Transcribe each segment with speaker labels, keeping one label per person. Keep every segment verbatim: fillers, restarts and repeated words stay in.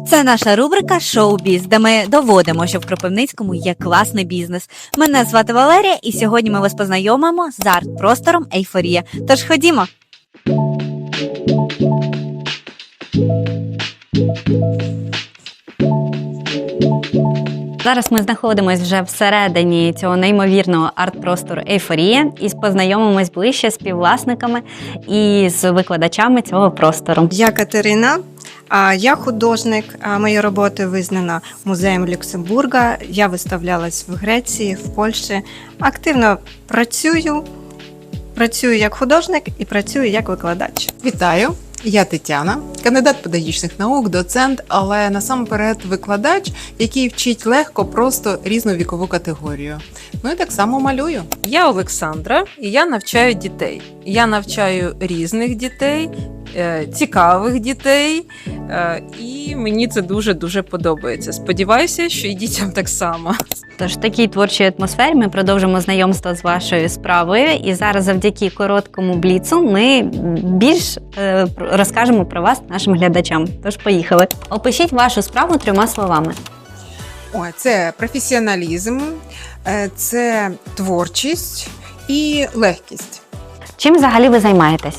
Speaker 1: Це наша рубрика «Шоу-біз», де ми доводимо, що в Кропивницькому є класний бізнес. Мене звати Валерія, і сьогодні ми вас познайомимо з арт-простором «Ейфорія». Тож ходімо! Зараз ми знаходимося вже всередині цього неймовірного арт-простору «Ейфорія» і поззнайомимось ближче з співвласниками і з викладачами цього простору.
Speaker 2: Я Катерина, я художник, мої роботи визнана музеєм Люксембурга, я виставлялась в Греції, в Польщі, активно працюю, працюю як художник і працюю як викладач.
Speaker 3: Вітаю! Я Тетяна, кандидат педагогічних наук, доцент, але насамперед викладач, який вчить легко, просто різну вікову категорію. Ну і так само малюю.
Speaker 4: Я Олександра, і я навчаю дітей. Я навчаю різних дітей, цікавих дітей, і мені це дуже-дуже подобається. Сподіваюся, що і дітям так само.
Speaker 1: Тож в такій творчій атмосфері ми продовжимо знайомство з вашою справою. І зараз завдяки короткому бліцу ми більш е, розкажемо про вас нашим глядачам. Тож поїхали. Опишіть вашу справу трьома словами.
Speaker 3: О, це професіоналізм, це творчість і легкість.
Speaker 1: Чим взагалі ви займаєтесь?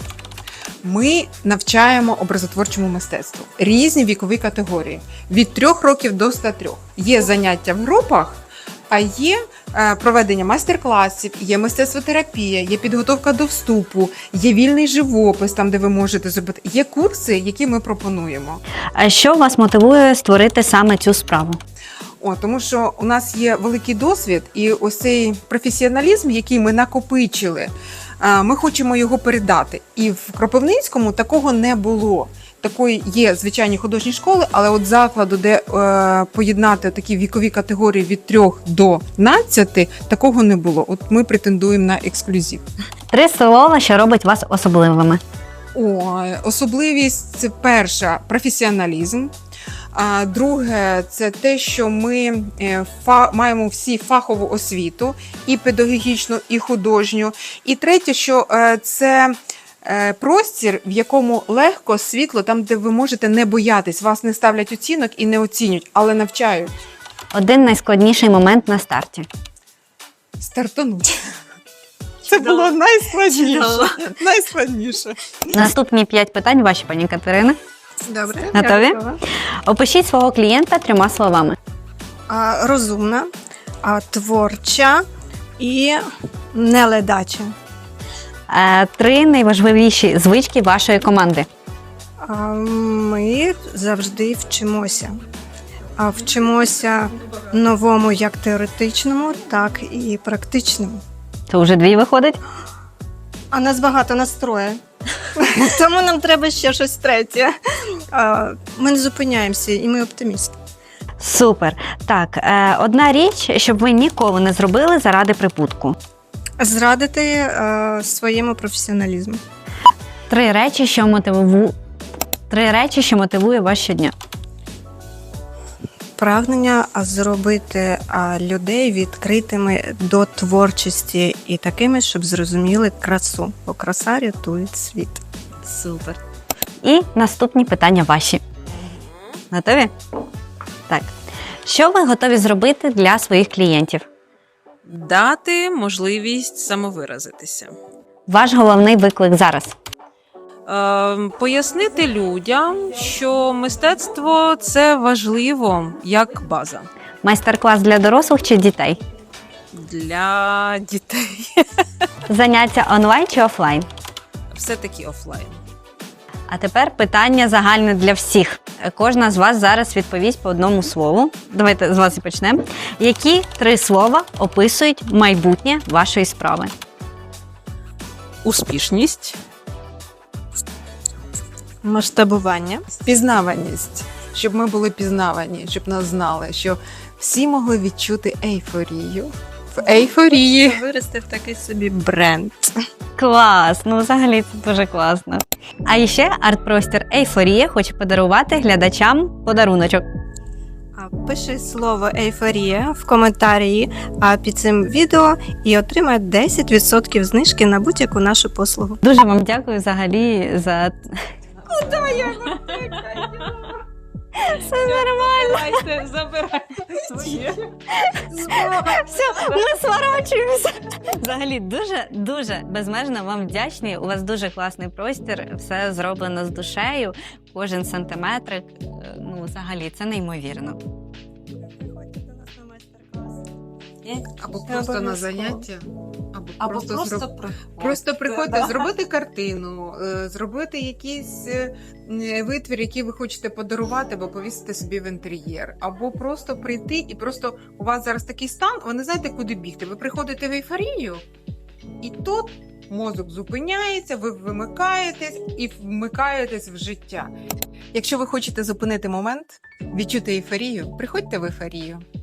Speaker 3: Ми навчаємо образотворчому мистецтву. Різні вікові категорії. Від трьох років до ста трьох. Є заняття в групах, а є е, проведення майстер-класів, є мистецтвотерапія, є підготовка до вступу, є вільний живопис, там, де ви можете зробити. Є курси, які ми пропонуємо.
Speaker 1: А що вас мотивує створити саме цю справу?
Speaker 3: О, тому що у нас є великий досвід, і ось цей професіоналізм, який ми накопичили, ми хочемо його передати. І в Кропивницькому такого не було. Такої є звичайні художні школи, але от закладу, де е, поєднати такі вікові категорії від трьох до надцяти, такого не було. От ми претендуємо на ексклюзив.
Speaker 1: Три слова, що робить вас особливими.
Speaker 3: О, особливість – це перша – професіоналізм. А друге – це те, що ми фа, маємо всі фахову освіту, і педагогічну, і художню. І третє, що це простір, в якому легко, світло, там, де ви можете не боятись, вас не ставлять оцінок і не оцінюють, але навчають.
Speaker 1: Один найскладніший момент на старті.
Speaker 3: Стартанути. Це було найскладніше. Найскладніше.
Speaker 1: Наступні п'ять питань ваші, пані Катерина.
Speaker 2: Добре.
Speaker 1: Готові? Опишіть свого клієнта трьома словами.
Speaker 2: А, розумна, а, творча і неледача.
Speaker 1: Е, Три найважливіші звички вашої команди.
Speaker 2: А, ми завжди вчимося. А вчимося новому як теоретичному, так і практичному.
Speaker 1: Це вже дві виходить?
Speaker 2: А нас багато настроє. Тому нам треба ще щось третє. А, ми не зупиняємося, і ми оптимісти.
Speaker 1: Супер. Так, е, одна річ, щоб ви ніколи не зробили заради прибутку.
Speaker 2: Зрадити е, своєму професіоналізму.
Speaker 1: Три речі, що мотиву... Три речі, що мотивує вас щодня.
Speaker 2: Прагнення зробити а, людей відкритими до творчості і такими, щоб зрозуміли красу. Бо краса рятує світ.
Speaker 1: Супер. І наступні питання ваші. Готові? Так. Що ви готові зробити для своїх клієнтів?
Speaker 4: Дати можливість самовиразитися.
Speaker 1: Ваш головний виклик зараз?
Speaker 4: Е, пояснити людям, що мистецтво – це важливо як база.
Speaker 1: Майстер-клас для дорослих чи дітей?
Speaker 4: Для дітей.
Speaker 1: Заняття онлайн чи офлайн?
Speaker 4: Все-таки офлайн.
Speaker 1: А тепер питання загальне для всіх. Кожна з вас зараз відповість по одному слову. Давайте з вас і почнемо. Які три слова описують майбутнє вашої справи?
Speaker 4: Успішність.
Speaker 2: Масштабування.
Speaker 3: Впізнаваність. Щоб ми були пізнавані, щоб нас знали, що всі могли відчути ейфорію. В ейфорії.
Speaker 2: Вирости в такий собі бренд.
Speaker 1: Клас! Ну, взагалі, це дуже класно. А ще арт-простір «Ейфорія» хоче подарувати глядачам подаруночок.
Speaker 2: Пиши слово «ейфорія» в коментарі під цим відео і отримай десять відсотків знижки на будь-яку нашу послугу.
Speaker 1: Дуже вам дякую взагалі за...
Speaker 2: Куда я?
Speaker 1: Все нормально.
Speaker 4: Забирайте, забирайте своє.
Speaker 1: Все, ми сворачуємося. Взагалі, дуже дуже безмежно вам вдячні. У вас дуже класний простір, все зроблено з душею, кожен сантиметрик. е, Ну, взагалі, це неймовірно.
Speaker 2: Приходьте до нас на майстер-клас.
Speaker 3: Або
Speaker 2: Це
Speaker 3: просто на
Speaker 2: обов'язково.
Speaker 3: заняття, або,
Speaker 4: Або
Speaker 3: просто,
Speaker 4: просто,
Speaker 3: зроб-
Speaker 4: приходьте.
Speaker 3: просто приходьте,
Speaker 4: Да.
Speaker 3: зробити картину, е, зробити якийсь е, е, витвір, який ви хочете подарувати, або повісити собі в інтер'єр, або просто прийти і просто у вас зараз такий стан, ви не знаєте, куди бігти. Ви приходите в ейфорію, і тут мозок зупиняється, ви вимикаєтесь і вмикаєтесь в життя. Якщо ви хочете зупинити момент, відчути ейфорію, приходьте в ейфорію.